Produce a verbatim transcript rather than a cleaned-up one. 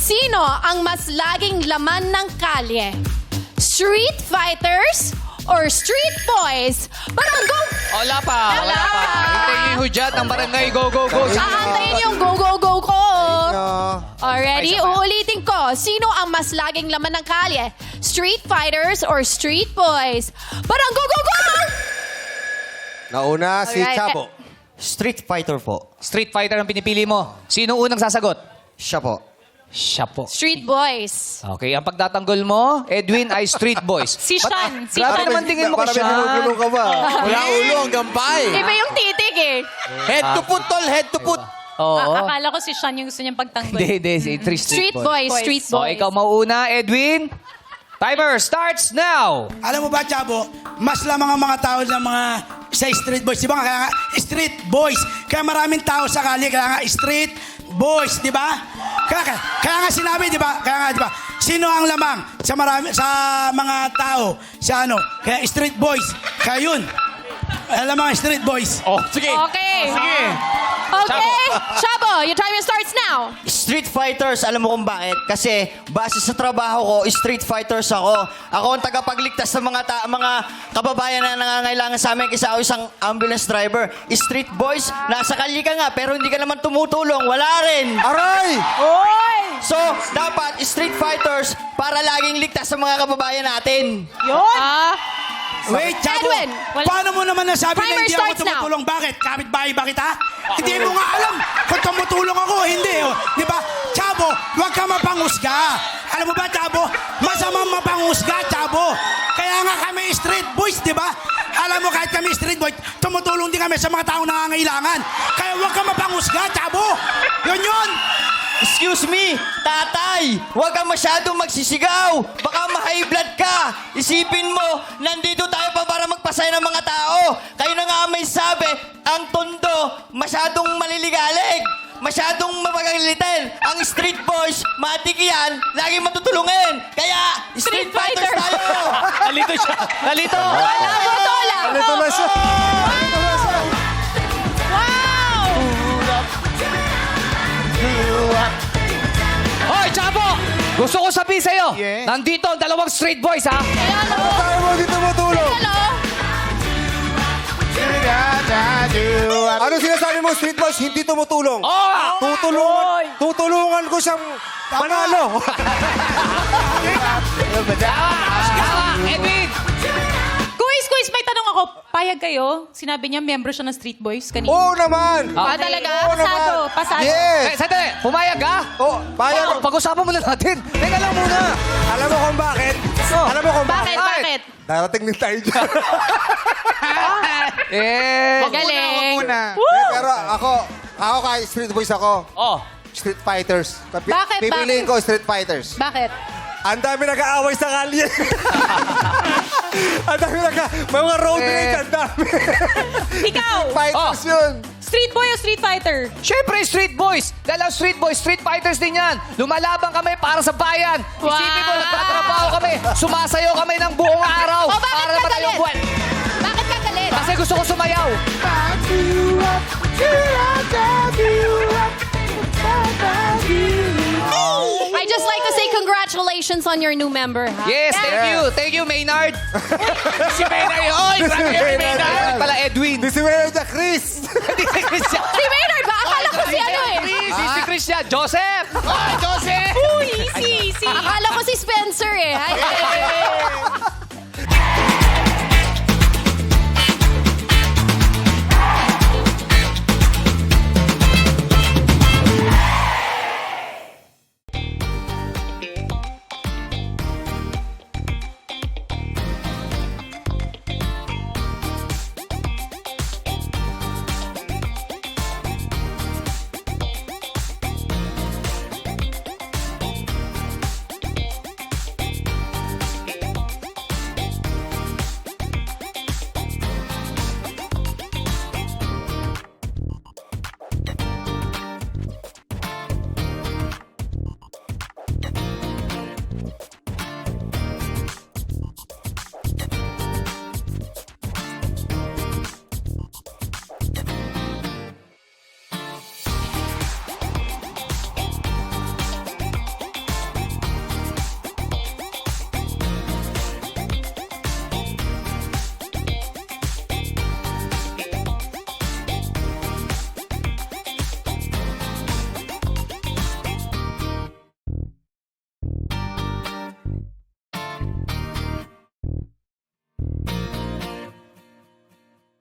Sino ang mas laging laman ng kalye? Street fighters or street boys? Baranggo! Wala pa, wala pa. Hintayin yung hudyat ng barangay. Go, go, go. Aantayin yung go, go, go ko. No. Already, Ay, isa pa. uulitin ko. Sino ang mas laging laman ng kalye? Street fighters or street boys? Baranggo, go, go! Nauna si Alright. Chabo. Street fighter po. Street fighter ang pinipili mo. Sino unang sasagot? Siya po. Siya po. Street boys. Okay, ang pagtatanggol mo, Edwin, ay street boys. Si Sean. Si Grabe Sean. naman tingin mo kay Parang may binubulong Sean. ka ba? Wala ulo hanggang pay. Iba yung titig eh. Head to foot, tol. Head to foot. Oo. A- akala ko si Sean yung gusto niyang pagtanggol. Hindi, hindi. Si three street, Street boys, Boys. street So, boys. ikaw mauuna, Edwin. Timer starts now. Alam mo ba, Chabo, mas lamang ang mga tao ng mga sa street boys. Di ba? Kaya nga, street boys. Kaya maraming tao sa kali, kaya nga street boys, di ba? Kaya, kaya, kaya nga sinabi, di ba? Kaya nga, di ba? Sino ang lamang sa marami sa mga tao sa ano? Kaya street boys. Kaya yun. Alam mga street boys. Oh, sige. Okay. Sige. Okay. Chabo, your timer starts now. Street fighters, alam mo kung bakit? Kasi base sa trabaho ko, street fighters ako. Ako ang tagapagligtas ng mga ta- mga kababayan na nangangailangan sa amin kasi ako isang ambulance driver. Street boys, nasa kalye ka nga pero hindi ka naman tumutulong. Wala rin. Aray! So, dapat street fighters para laging ligtas sa mga kababayan natin. Yun. Ah, Wait, Chabo. Edwin, wala- Paano mo naman nasabi Timer na hindi ako starts now. tumutulong? Bakit? Kapit-bahay ba kita? Hindi mo nga alam kung tumutulong ako o hindi. Oh. Di ba? Chabo, huwag ka mapangusga. Alam mo ba, Chabo? Masamang mapangusga, Chabo. Kaya nga kami street boys, di ba? Alam mo, kahit kami street boys, tumutulong din kami sa mga taong nangangailangan. Kaya huwag ka mapangusga, Chabo. Yun yun. Excuse me, tatay, huwag kang masyadong magsisigaw. Baka ma-high blood ka. Isipin mo, nandito tayo pa para magpasaya ng mga tao. Kayo na nga may sabi, ang tondo, masyadong maliligalig. Masyadong mapagalitin. Ang street boys, matik yan, lagi matutulungin. Kaya, street, Street fighters fighter. tayo. Nalito siya. Nalito. wala mo to lang. Alito na siya. Alito na siya. Wow! Hoy, Chabo! Gusto ko sabihin sa'yo, Yeah. nandito ang dalawang street boys, ha? Hello? Tayo mo dito tumutulong. Hello? Ano sinasabi mo, street boys? Hindi tumutulong. Oh! Tutulungan, tutulungan ko siyang manalo. Tama, Edwin! Kuis, kuis, may tanong ako. Payag kayo? Sinabi niya, membro siya ng Street Boys kanina. Oo naman. Ah, talaga? Oo naman. Pasado, pasado. Eh, Yes. sandali, pumayag ka? Oh, bayad. Oh, pag-usapan muna natin. Teka lang muna. Alam mo kung bakit? Oh. Alam mo kung Bakit? bakit? Bakit? Darating din tayo dyan. Eh. Magaling. Eh, Pero ako, ako kay street boys ako. Oh. Street fighters. Papi- Bakit? Pipiliin Bakit? ko street fighters. Bakit? Ang dami nag-aaway sa kalye. Ang dami nag May mga road Eh. rage, ang dami. Ikaw, Fighters Oh. yun. Street Boy o Street Fighter? Siyempre, street boys. Dahil ang street boys, street fighters din yan. Lumalaban kami para sa bayan. Isipin mo, Wow. nagtatrabaho kami. Sumasayaw kami ng buong araw. O, bakit para ka matayong galit? buwan. Bakit ka galit? Kasi gusto ko sumayaw. I just like to say congratulations on your new member, ha? Yes, thank Yeah. you. Thank you, Maynard. si Maynard yun. Oy, grabe Si yun, Maynard Maynard. yan. Pala, Edwin. This is where the Chris. Hindi si Christian. Si Maynard ba? Akala ko si ano eh. Chris, si Christian. Joseph. Oh, Joseph. Uy, easy, easy. Akala ko si Spencer eh. Hi,